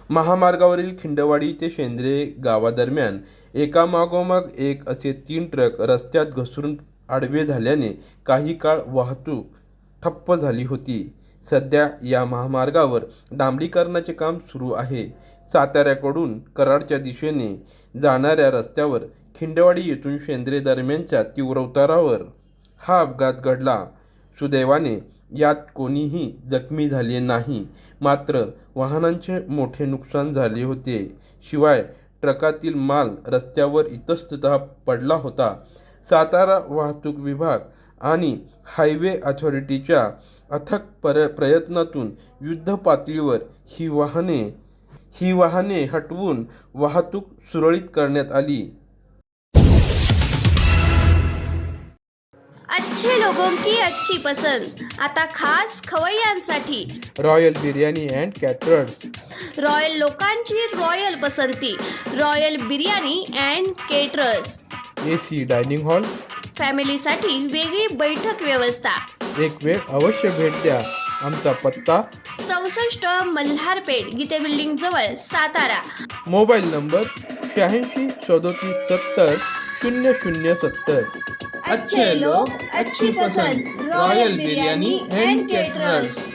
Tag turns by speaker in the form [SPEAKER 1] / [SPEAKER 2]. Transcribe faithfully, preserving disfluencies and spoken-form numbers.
[SPEAKER 1] महामार्गावरील खिंडवाडी ते शेंद्रे गावादरम्यान एकामागोमाग एक असे तीन ट्रक रस्त्यात घसरून आडवे झाल्याने काही काळ वाहतूक ठप्प झाली होती. सध्या या महामार्गावर डांबरीकरणाचे काम सुरू आहे. साताऱ्याकडून कराडच्या दिशेने जाणाऱ्या रस्त्यावर खिंडवाडी येथून शेंद्रे दरम्यानच्या तीव्र उतारावर हा अपघात घडला. सुदैवाने यात कोणीही जखमी झाले नाही, मात्र वाहनांचे मोठे नुकसान झाले होते. शिवाय ट्रकातील माल रस्त्यावर इतस्ततः पडला होता. सातारा वाहतूक विभाग आणि हायवे अथॉरिटीच्या अथक पर प्रयत्नातून युद्धपातळीवर ही वाहने ही वाहने हटवून वाहतूक सुरळीत करण्यात आली.
[SPEAKER 2] अच्छे लोगों की अच्छी पसंद आता खास खवय्यांसाठी
[SPEAKER 1] royal biryani and caterers.
[SPEAKER 2] Royal लोकांची रॉयल पसंती royal biryani and caterers.
[SPEAKER 1] A C dining hall.
[SPEAKER 2] फॅमिलीसाठी वेगळी बैठक व्यवस्था.
[SPEAKER 1] एक वेळ अवश्य भेट द्या. आमचा पत्ता
[SPEAKER 2] चौसष्ट मल्हारपेठ गीते बिल्डिंग जवळ सातारा.
[SPEAKER 1] मोबाईल नंबर शहाऐंशी सदोतीस सत्तर शून्य शून्य सत्तर.
[SPEAKER 2] अच्छे लोग अच्छी पसंद रॉयल बिर्याणी अँड केटरर्स.